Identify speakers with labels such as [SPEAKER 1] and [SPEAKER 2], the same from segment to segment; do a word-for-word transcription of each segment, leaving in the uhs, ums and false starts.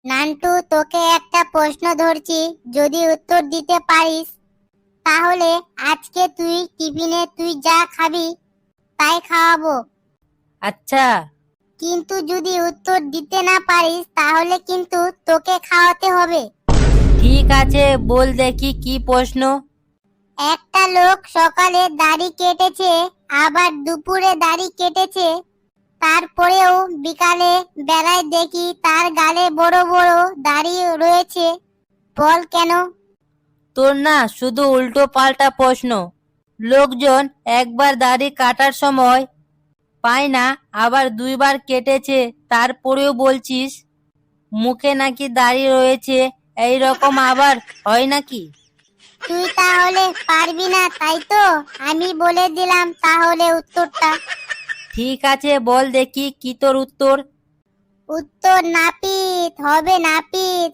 [SPEAKER 1] নান্টু, তোকে একটা প্রশ্ন ধরছি, যদি উত্তর দিতে পারিস তাহলে আজকে তুই টিফিনে তুই যা খাবি তাই খাওয়াবো।
[SPEAKER 2] আচ্ছা,
[SPEAKER 1] কিন্তু যদি উত্তর দিতে না পারিস তাহলে কিন্তু তোকে খাওয়াতে হবে।
[SPEAKER 2] ঠিক আছে, বল দেখি কি প্রশ্ন।
[SPEAKER 1] একটা লোক সকালে দাড়ি কেটেছে, আবার দুপুরে দাড়ি কেটেছে, তারপরেও বিকালে বেলায় দেখি তার গালে বড় বড় দাড়ি রয়েছে, বল কেন?
[SPEAKER 2] তোর না শুধু উল্টো পাল্টা প্রশ্ন। লোকজন একবার দাড়ি কাটার সময় পায় না, আবার দুইবার কেটেছে, তারপরেও বলছিস মুখে নাকি দাড়ি রয়েছে। এই রকম আবার হয় নাকি?
[SPEAKER 1] তুই তাহলে পারবি না, তাই তো আমি বলে দিলাম তাহলে উত্তরটা।
[SPEAKER 2] ঠিক আছে, বল দেখি কি তোর উত্তর।
[SPEAKER 1] উত্তর নাপিত হবে, নাপিত।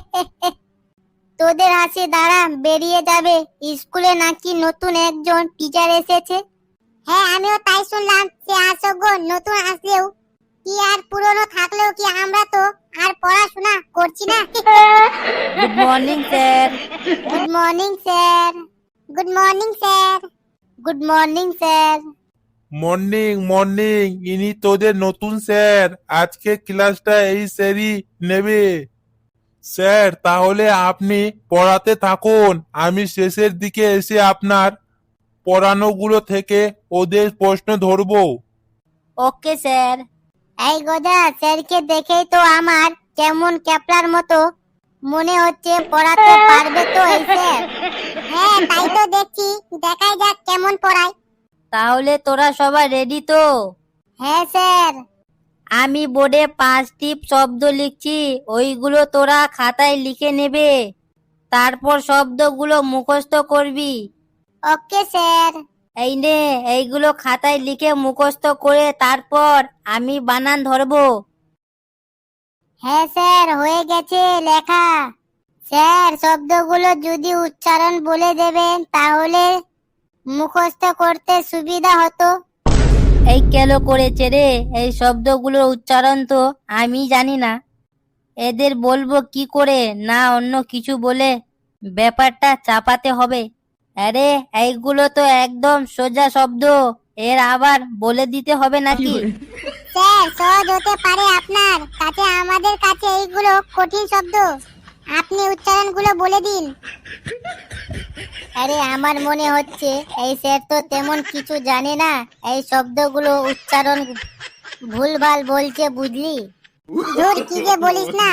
[SPEAKER 1] তোদের হাসি দ্বারা বেরিয়ে যাবে, স্কুলে নাকি নতুন একজন টিচার এসেছে। হ্যাঁ, আমিও তাই শুনলাম যে আসো নতুন আসলেও কি আর পুরনো থাকলেও কি আমরা তো আর পড়াশোনা করছি না।
[SPEAKER 2] Good morning sir.
[SPEAKER 1] Good morning sir. Good morning sir. Good morning sir.
[SPEAKER 3] Morning morning, ইনি তোদের নতুন স্যার। আজকে ক্লাসটা এই স্যারই নেবে। স্যার, তাহলে আপনি পড়াতে থাকুন, আমি শেষের দিকে এসে আপনার পড়ানোগুলো থেকে ওদের প্রশ্ন ধরবো।
[SPEAKER 2] Okay sir.
[SPEAKER 1] এই গজা, স্যারকে দেখেই তো আমার কেমন ক্যাপলার মতো মনে হচ্ছে, পড়াতে পারবে তো এই স্যার? হ্যাঁ, তাই তো দেখছি, দেখাই যাক কেমন পড়ায়।
[SPEAKER 2] তাহলে তোরা সবাই রেডি তো?
[SPEAKER 1] হ্যাঁ স্যার।
[SPEAKER 2] আমি বোর্ডে পাঁচটি শব্দ লিখছি, ওইগুলো তোরা খাতায় লিখে নেবে, তারপর শব্দগুলো মুখস্থ করবি।
[SPEAKER 1] Okay sir.
[SPEAKER 2] এই নে, এইগুলো খাতায় লিখে মুখস্থ করে তারপর আমি বানান ধরবো।
[SPEAKER 1] হ্যাঁ স্যার, হয়ে গেছে লেখা। স্যার, শব্দগুলো যদি উচ্চারণ বলে দেবেন তাহলে মুখস্থ করতে সুবিধা হতো।
[SPEAKER 2] এই কেন করেছে রে, এই শব্দগুলোর উচ্চারণ তো আমি জানি না, এদের বলবো কি করে? না অন্য কিছু বলে ব্যাপারটা চাপাতে হবে? আরে এইগুলো তো একদম সোজা শব্দ, এর আবার বলে দিতে হবে নাকি?
[SPEAKER 1] স্যার, সহজ হতে পারে আপনার কাছে, আমাদের কাছে এইগুলো কঠিন শব্দ, আপনি উচ্চারণগুলো বলে দিন। আরে, আমার মনে হচ্ছে এই স্যার তো তেমন কিছু জানে না, এই শব্দগুলো উচ্চারণ ভুলভাল বলছে, বুঝলি? ধুর, কি যে বলিস না,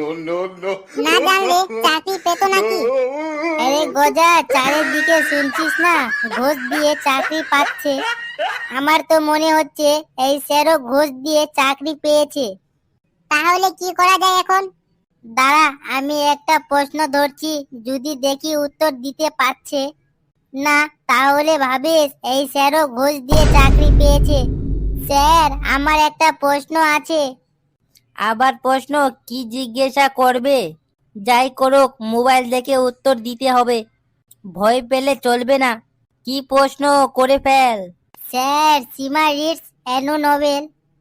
[SPEAKER 1] না জানলে চাকরি পেত নাকি? আরে গজা, চারিদিকে শুনছিস না ঘুষ দিয়ে চাকরি পাচ্ছে? আমার তো মনে হচ্ছে এই স্যারও ঘুষ দিয়ে চাকরি পেয়েছে। তাহলে কি করা যায় এখন? দাঁড়া, আমি একটা প্রশ্ন ধরছি, যদি দেখি উত্তর দিতে পারছে না তাহলে ভাবিস এই স্যারও ঘুষ দিয়ে চাকরি পেয়েছে। স্যার, আমার একটা প্রশ্ন আছে।
[SPEAKER 2] আবার প্রশ্ন? কি জিজ্ঞাসা করবে? যাই করুক, মোবাইল দেখে উত্তর দিতে হবে, ভয় পেলে চলবে না। কি প্রশ্ন করে ফেল।
[SPEAKER 1] Sir, Seema reads a novel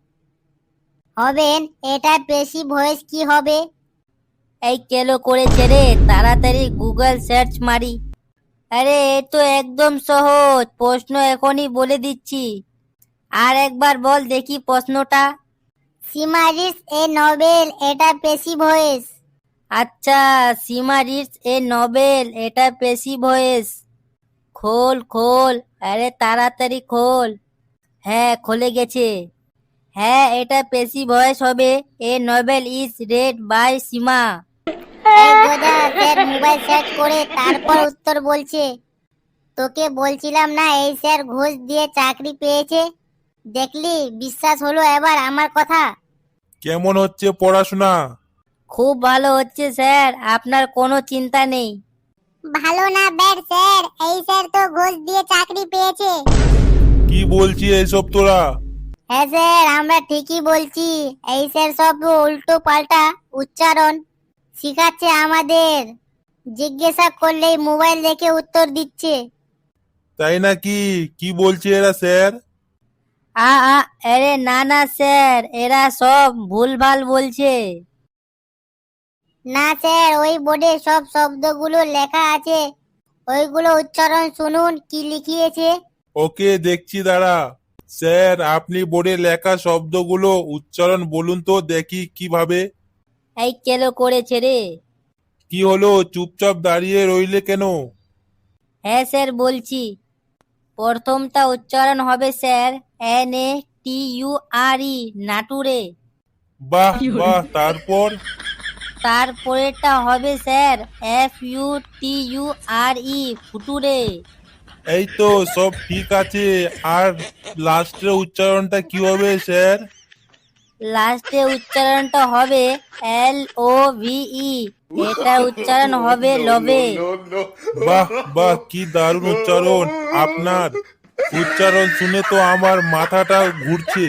[SPEAKER 1] হবেন, এটা বেশি ভয়েস কি হবে?
[SPEAKER 2] এই কেলো করেছে রে, তাড়াতাড়ি গুগল সার্চ মারি। আরে এ তো একদম সহজ প্রশ্ন, এখনই বলে দিচ্ছি। আর একবার বল দেখি প্রশ্নটা।
[SPEAKER 1] সীমা রিডস এ নোবেল, এটা বেশি ভয়েস।
[SPEAKER 2] আচ্ছা, সীমা রিডস এ নভেল, এটা পেশি ভয়েস। খোল খোল, আরে তাড়াতাড়ি খোল। হ্যাঁ, খুলে গেছে। হ্যাঁ, এটা পেশি ভয়েস হবে। A novel is read by Seema.
[SPEAKER 1] এই গোদা, স্যার মোবাইল সার্চ করে তারপর উত্তর বলছে। তোকে বলছিলাম না এই স্যার ঘুষ দিয়ে চাকরি পেয়েছে? দেখলি, বিশ্বাস হলো এবার আমার কথা?
[SPEAKER 3] কেমন হচ্ছে পড়াশোনা?
[SPEAKER 2] খুব ভালো হচ্ছে স্যার, আপনার কোনো চিন্তা নেই।
[SPEAKER 1] ভালো না ব্যাড স্যার, এই স্যার তো ঘুষ দিয়ে চাকরি পেয়েছে।
[SPEAKER 3] কি বলছি এইসব তোরা?
[SPEAKER 1] হ্যাঁ স্যার, আমরা ঠিকই বলছি, এই স্যার সব উল্টো পাল্টা উচ্চারণ শিখাচ্ছে আমাদের, জিজ্ঞাসা করলেই মোবাইল দেখে উত্তর দিচ্ছে।
[SPEAKER 3] তাই নাকি? কি বলছে এরা স্যার?
[SPEAKER 2] আ আ আরে না না স্যার, এরা সব ভুলভাল বলছে।
[SPEAKER 1] না স্যার, ওই বোর্ডে সব শব্দগুলো লেখা আছে, ওইগুলো উচ্চারণ শুনুন কি লিখিয়েছে।
[SPEAKER 3] ওকে, দেখছি দাঁড়া। স্যার, আপনি বোর্ডে লেখা শব্দগুলো উচ্চারণ বলুন তো দেখি কিভাবে।
[SPEAKER 2] এই কেলো করেছে রে?
[SPEAKER 3] কি হলো, চুপচাপ দাঁড়িয়ে রইলে কেন?
[SPEAKER 2] হ্যাঁ স্যার বলছি। প্রথমটা উচ্চারণ হবে sir N A T U R E, নাটুরে।
[SPEAKER 3] বাহ বাহ, তারপর?
[SPEAKER 2] তারপরেরটা হবে sir F U T U R E, ফুটুরে।
[SPEAKER 3] এই তো সব ঠিক আছে, আর লাস্টের উচ্চারণটা কি হবে স্যার?
[SPEAKER 2] লাস্টে উচ্চারণটা হবে এল ও ভি ই, এটা উচ্চারণ হবে লবে।
[SPEAKER 3] বাহ বাহ, কি দারুণ উচ্চারণ আপনার। উচ্চারণ শুনে তো আমার মাথাটা ঘুরছে।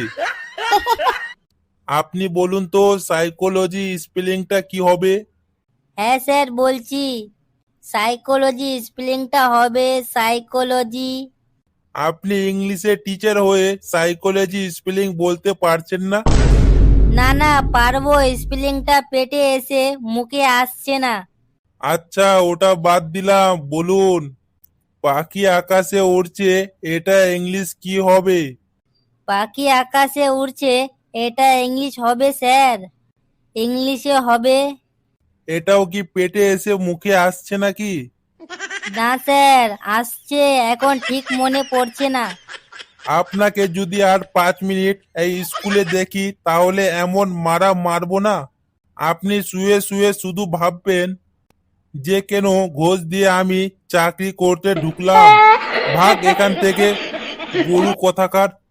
[SPEAKER 3] আপনি বলুন তো সাইকোলজি স্পেলিংটা কি হবে?
[SPEAKER 2] হ্যাঁ স্যার বলছি, সাইকোলজি স্পেলিংটা হবে সাইকোলজি।
[SPEAKER 3] আপনি ইংলিশের টিচার হয়ে সাইকোলজি স্পেলিং বলতে পারছেন না?
[SPEAKER 2] না না পারবো, স্পেলিংটা পেটে এসে মুখে আসছে না।
[SPEAKER 3] আচ্ছা, ওটা বাদ দিলাম, বলুন পাখি আকাশে উড়ছে, এটা ইংলিশ কি হবে?
[SPEAKER 2] পাখি আকাশে উড়ছে, এটা ইংলিশ হবে স্যার, ইংলিশে হবে।
[SPEAKER 3] এটাও কি পেটে এসে মুখে আসছে নাকি?
[SPEAKER 2] না স্যার আসছে, এখন ঠিক মনে পড়ছে না।
[SPEAKER 3] আপনাকে যদি আর পাঁচ মিনিট এই স্কুলে দেখি তাহলে এমন মারা মারবো না, আপনি শুয়ে শুয়ে শুধু ভাববেন যে কেন ঘোষ দিয়ে আমি চাকরি করতে ঢুকলাম। ভাগ এখান থেকে, গরু কোথাকার।